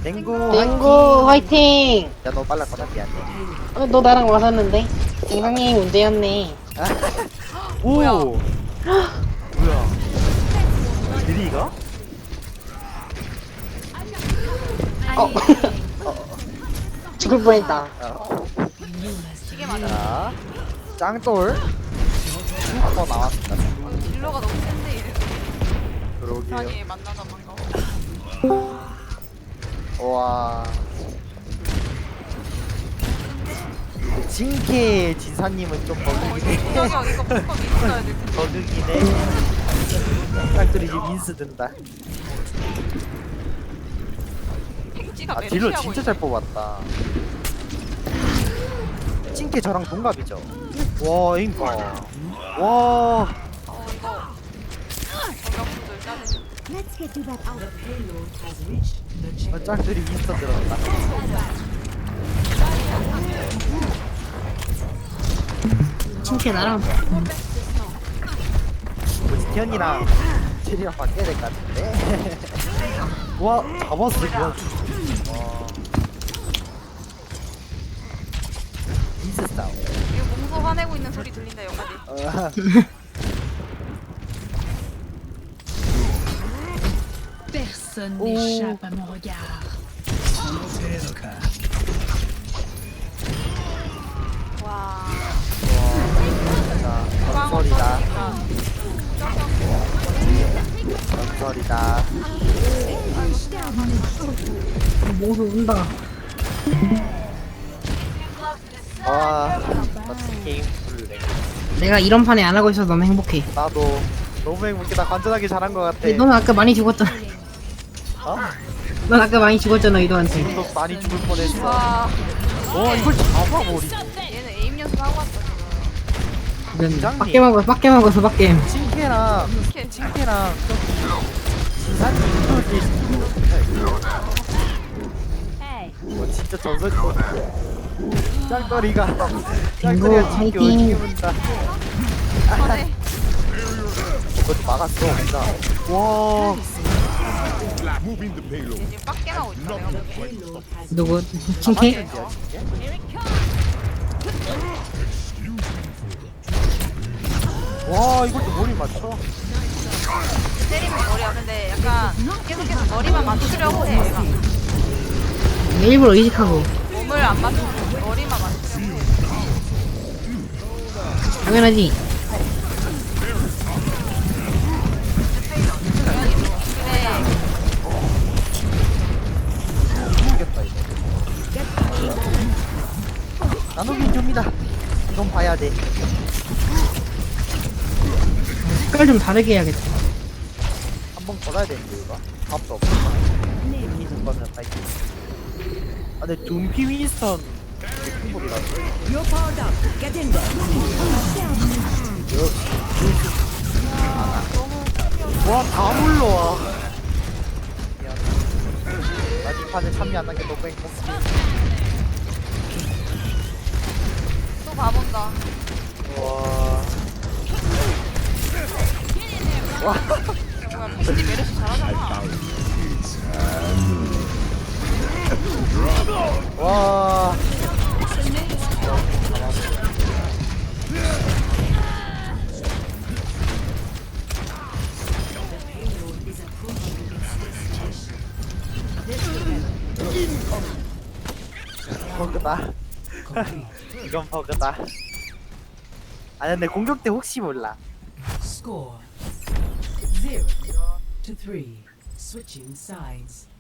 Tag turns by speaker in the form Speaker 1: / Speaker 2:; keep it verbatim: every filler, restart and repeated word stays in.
Speaker 1: 댕구
Speaker 2: 땡구 화이팅!
Speaker 1: 야 너 빨랐거든 미안해.
Speaker 2: 어, 너 나랑 맞았는데? 영상이 문제였네.
Speaker 1: 오
Speaker 3: 뭐야?
Speaker 1: 뭐야 드리가?
Speaker 2: 어. 죽을 뻔했다.
Speaker 1: 어.
Speaker 3: 이게 맞아.
Speaker 1: 자 짱돌 슈퍼 나왔습니다.
Speaker 3: 어, 딜러가 너무 센데 이래.
Speaker 1: 그러게요.
Speaker 3: 아니 만나서 반가워.
Speaker 1: 와 진케 지사님은 좀
Speaker 3: 어,
Speaker 1: 버그긴 해.
Speaker 3: 저기요 이거 무조건 있어야 돼.
Speaker 1: 버그긴 해. 짱돌이 이제 민스 든다.
Speaker 3: 팽지가
Speaker 1: 아
Speaker 3: 매를
Speaker 1: 딜러
Speaker 3: 피하고
Speaker 1: 진짜
Speaker 3: 있어.
Speaker 1: 잘 뽑았다. 찐케 저랑 동갑이죠? 와 인가 와
Speaker 3: 어 이거 정경수들 짜증.
Speaker 4: Let's get to that out.
Speaker 1: 아, 짱들이 민스터 들었다.
Speaker 2: 친케 나랑
Speaker 1: 뭐지 티언이랑 체리랑 바뀌어야 될 것 같은데. 와 잡았어 그냥. 와 민스 싸움.
Speaker 3: 이거 몽소 화내고 있는 소리 들린다 여기까지.
Speaker 1: 어,
Speaker 5: Personne
Speaker 1: Oh.
Speaker 5: n'échappe à mon regard.
Speaker 3: 와.
Speaker 1: 자
Speaker 3: 주방
Speaker 1: 건설이다
Speaker 3: 없어지니까.
Speaker 1: 건설이다.
Speaker 2: 몽수 운다.
Speaker 1: 와 멋진 게임 플레이.
Speaker 2: 내가 이런 판에 안 하고 있어서 너무 행복해.
Speaker 1: 나도 너무 행복해. 나 관전하기 잘한 것 같아.
Speaker 2: 근데 너는 아까 많이 죽었잖아.
Speaker 1: 어?
Speaker 2: 넌 아까 많이 죽었잖아 이도한테.
Speaker 1: 지금도 많이 죽을 뻔했어.
Speaker 3: 와.
Speaker 1: 와 이걸 잡아버리지.
Speaker 3: 얘는 에임 연습하고 왔어 지금.
Speaker 2: 이건
Speaker 1: 부장님.
Speaker 2: 빡게 먹어 빡게 먹어서 빡게.
Speaker 1: 칭케랑
Speaker 3: 이렇게
Speaker 1: 칭케랑 지사님 이거 뭐 진짜 전설. 짱거리가 짱거리가 칭케
Speaker 2: 화이팅.
Speaker 1: 어떻게 본다.
Speaker 3: 전에
Speaker 1: 그것도 막았어 진짜. 와
Speaker 3: 얘 지금 빡게 나오고 있어 내가 보기엔.
Speaker 2: 누구? 친케?
Speaker 1: 와 이걸 또 머리 맞춰.
Speaker 3: 때리면 머리야. 근데 약간 계속해서 머리만 맞추려고 해 얘가.
Speaker 2: 일부러 의식하고.
Speaker 3: 몸을 안 맞추고 머리만 맞추려고 해.
Speaker 2: 당연하지.
Speaker 3: 근데
Speaker 1: 이겼다 이거. 나누긴 줍니다. 이건 봐야 돼.
Speaker 2: 색깔 좀 다르게 해야겠다.
Speaker 1: 한 번 걸어야 되는데 이거. 밥도 없어. 윈스턴 거는 파이팅. 아 근데 둠피 윈스턴 되게 큰 법이라. 와다 물러와. 미안. 나이 판에 참여 안 한 게 너무 행복해.
Speaker 3: 또 봐본다.
Speaker 1: 와. 와.
Speaker 3: 뭐야 팽지 메르시 잘하잖아.
Speaker 1: 와. 버그다. 이건 버그다. 아 근데 공격 때 혹시 몰라.
Speaker 6: Score zero to three. Switching sides.